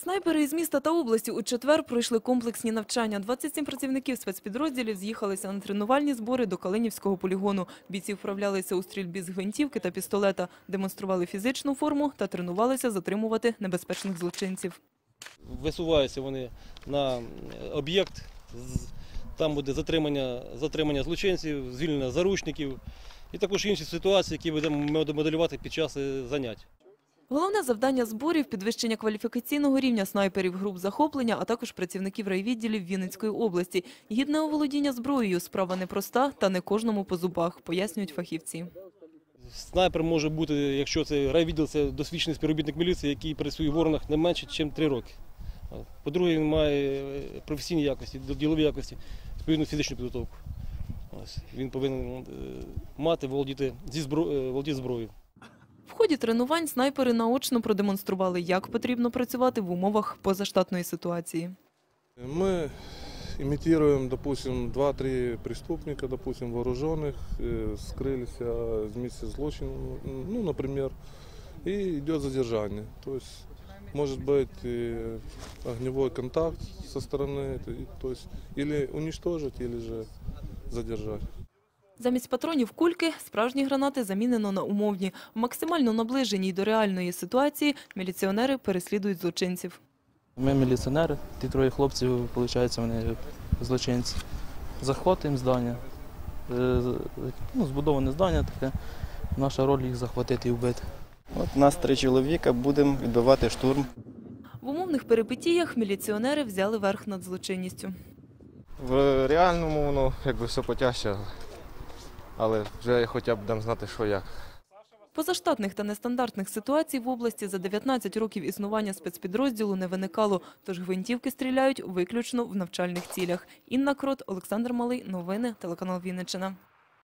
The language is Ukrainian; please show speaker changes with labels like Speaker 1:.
Speaker 1: Снайпери із міста та області у четвер пройшли комплексні навчання. 27 працівників спецпідрозділів з'їхалися на тренувальні збори до Калинівського полігону. Бійці вправлялися у стрільбі з гвинтівки та пістолета, демонстрували фізичну форму та тренувалися затримувати небезпечних злочинців.
Speaker 2: Висуваються вони на об'єкт, там буде затримання злочинців, звільнення заручників і також інші ситуації, які будемо моделювати під час занять.
Speaker 1: Головне завдання зборів – підвищення кваліфікаційного рівня снайперів груп захоплення, а також працівників райвідділів Вінницької області. Гідне оволодіння зброєю – справа непроста та не кожному по зубах, пояснюють фахівці.
Speaker 2: Снайпер може бути, якщо це райвідділ, це досвідчений співробітник міліції, який працює в органах не менше, ніж 3 роки. По-друге, він має професійні якості, ділові якості, відповідну фізичну підготовку. Він повинен мати, володіти зброєю.
Speaker 1: В ході тренувань снайпери наочно продемонстрували, як потрібно працювати в умовах позаштатної ситуації.
Speaker 3: Мы имитируем, допустим, 2-3 преступника, допустим, вооруженных, скрылись с места злочина, ну, например, и идет задержание. То есть может быть огневой контакт со стороны, то есть или уничтожить, или же задержать.
Speaker 1: Замість патронів кульки справжні гранати замінено на умовні. В максимально наближеній до реальної ситуації міліціонери переслідують злочинців.
Speaker 4: Ми міліціонери, ті троє хлопців, виходить, вони злочинці. Захватуємо здання, збудоване здання таке, наша роль їх захватити і вбити.
Speaker 5: От нас 3 чоловіка, будемо відбивати штурм.
Speaker 1: В умовних перипетіях міліціонери взяли верх над злочинністю.
Speaker 6: В реальному воно якби все потяжче, але вже хоча б будемо знати, що як.
Speaker 1: Позаштатних та нестандартних ситуацій в області за 19 років існування спецпідрозділу не виникало, тож гвинтівки стріляють виключно в навчальних цілях. Інна Крот, Олександр Малий. Новини, телеканал Вінниччина.